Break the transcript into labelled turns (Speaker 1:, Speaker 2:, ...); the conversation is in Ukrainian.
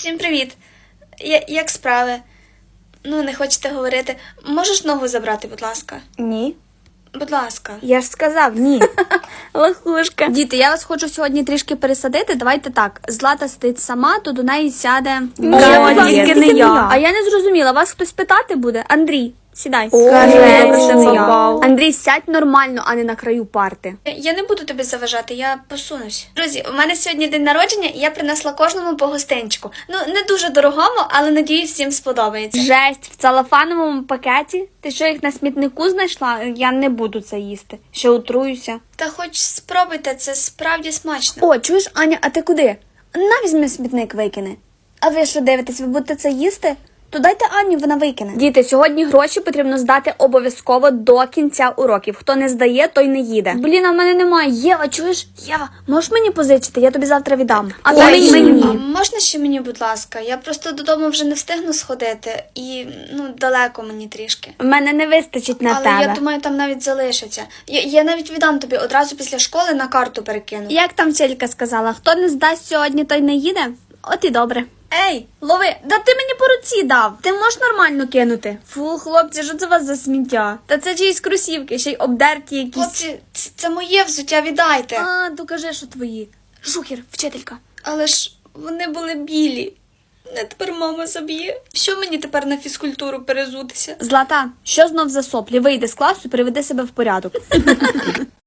Speaker 1: Всім привіт. Як справи? Ну, не хочете говорити. Можеш ногу забрати, будь ласка?
Speaker 2: Ні.
Speaker 1: Будь ласка.
Speaker 2: Я ж сказав ні.
Speaker 1: Лохушка.
Speaker 2: Діти, я вас хочу сьогодні трішки пересадити. Давайте так. Злата сидить сама, то до неї сяде...
Speaker 1: тільки не я.
Speaker 2: А я не зрозуміла, вас хтось питати буде? Андрій, сідай.
Speaker 1: Скажи,
Speaker 2: що
Speaker 1: це
Speaker 2: не
Speaker 1: я.
Speaker 2: я. Андрій, сядь нормально, а не на краю парти.
Speaker 1: Я не буду тобі заважати, я посунусь. Друзі, у мене сьогодні день народження, і я принесла кожному по гостинчику. Ну, не дуже дорогому, але надіюсь, всім сподобається.
Speaker 2: Жесть, в целофановому пакеті? Ти що, їх на смітнику знайшла? Я не буду це їсти. Ще отруюся.
Speaker 1: Та хоч спробуйте, це справді смачно.
Speaker 2: О, чуєш, Аня, а ти куди? На, візьми смітник викине. А ви що дивитесь, ви будете це їсти? То дайте Ані, вона викине. Діти, сьогодні гроші потрібно здати обов'язково до кінця уроків. Хто не здає, той не їде. Блін, а в мене немає. Єва, чуєш? Єва, можеш мені позичити? Я тобі завтра віддам. А
Speaker 1: Ой,
Speaker 2: ти мені.
Speaker 1: а можна ще мені, будь ласка? Я просто додому вже не встигну сходити. І, далеко мені трішки.
Speaker 2: В мене не вистачить на
Speaker 1: Але
Speaker 2: тебе.
Speaker 1: я думаю, там навіть залишиться. Я навіть віддам тобі одразу після школи на карту перекину.
Speaker 2: Як там вчителька сказала, хто не здасть сьогодні, той не їде? От і добре. Ей, лови, да ти мені по руці дав. Ти можеш нормально кинути? Фу, хлопці, що це у вас за сміття? Та це чиїсь кросівки, ще й обдерті якісь.
Speaker 1: Хлопці, це моє взуття, віддайте.
Speaker 2: А, докажи, що твої. Жухер, вчителька.
Speaker 1: Але ж вони були білі. Не тепер мама заб'є. Що мені тепер на фізкультуру перезутися?
Speaker 2: Злата, що знов за соплі? Вийди з класу і приведи себе в порядок.